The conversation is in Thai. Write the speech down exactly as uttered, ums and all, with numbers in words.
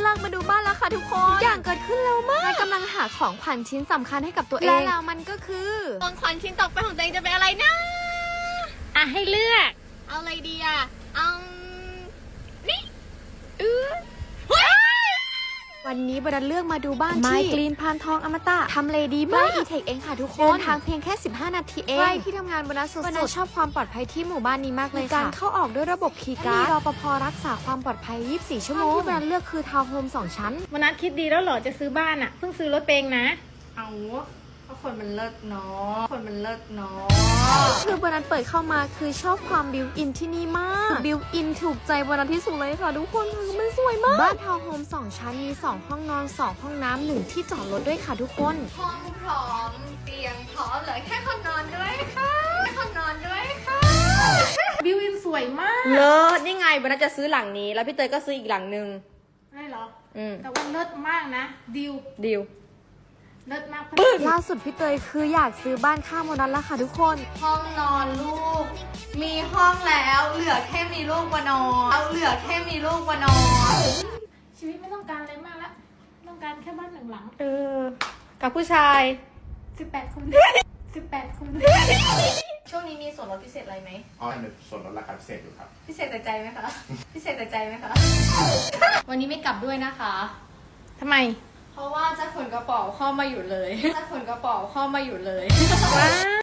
ลังมาดูบ้านแล้วค่ะทุกคนอย่างเกิดขึ้นเร็วมากและกำลังหาของขวัญชิ้นสำคัญให้กับตัวเองและแล้วมันก็คือของขวัญชิ้นต่อไปของตัวเองจะเป็นอะไรนะอ่ะให้เลือกเอาอะไรดีอ่ะเอานี่เออวันนี้บรันเลือกมาดูบ้านที่ไมกรีนพานทองอมตะทำเลดีมากอีเทคเองค่ะทุกคนเดินทางเพียงแค่สิบห้านาทีเองใกล้ที่ทำงานบรันสุดๆบรันชอบความปลอดภัยที่หมู่บ้านนี้มากเลยค่ะการเข้าออกด้วยระบบคีย์การ์ดมีรปภรักษาความปลอดภัยยี่สิบสี่ชั่วโมงที่บรันเลือกคือทาวน์โฮมสองชั้นวันนั้นคิดดีแล้วเหรอจะซื้อบ้านอ่ะเพิ่งซื้อรถเองนะเอาก็คนมันเลิศเนาะคนมันเลิศเนาะคือวันนั้นเปิดเข้ามาคือชอบความบิวอินที่นี่มากบิวอินถูกใจวันนั้นที่สุดเลยค่ะทุกคนคือมันสวยมากบ้านทาวน์โฮมสองชั้นมีสองห้องนอนสองห้องน้ำหนึ่งที่จอดรถด้วยค่ะทุกคนห้องพร้อมเตียงพร้อมเหลือแค่คนนอนด้วยค่ะแค่คนนอนด้วยค่ะบิวอินสวยมากเลิศนี่ไงวันนั้นจะซื้อหลังนี้แล้วพี่เตยก็ซื้ออีกหลังนึงได้เหรออืมแต่ว่าเลิศมากนะดิวดิวเลิศมากล่าสุดพี่เตยคืออยากซื้อบ้านข้างโมนัสแล้วค่ะทุกคนห้องนอนลูกมีห้องแล้วเหลือแค่มีลูกมานอนเอาเหลือแค่มีลูกมานอนชีวิตไม่ต้องการอะไรมากแล้วต้องการแค่บ้านหนึ่งหลังเออกับผู้ชายสิบแปดคนสิบแปดคนช่วงนี้มีส่วนลดพิเศษอะไรไหมอ๋อมีส่วนลดราคาพิเศษอยู่ครับพิเศษแต่ใจไหมคะพิเศษแต่ใจไหมคะวันนี้ไม่กลับด้วยนะคะทำไมเพราะว่าจะขนกระเป๋าเข้ามาอยู่เลยจะขนกระเป๋าเข้ามาอยู่เลยว้า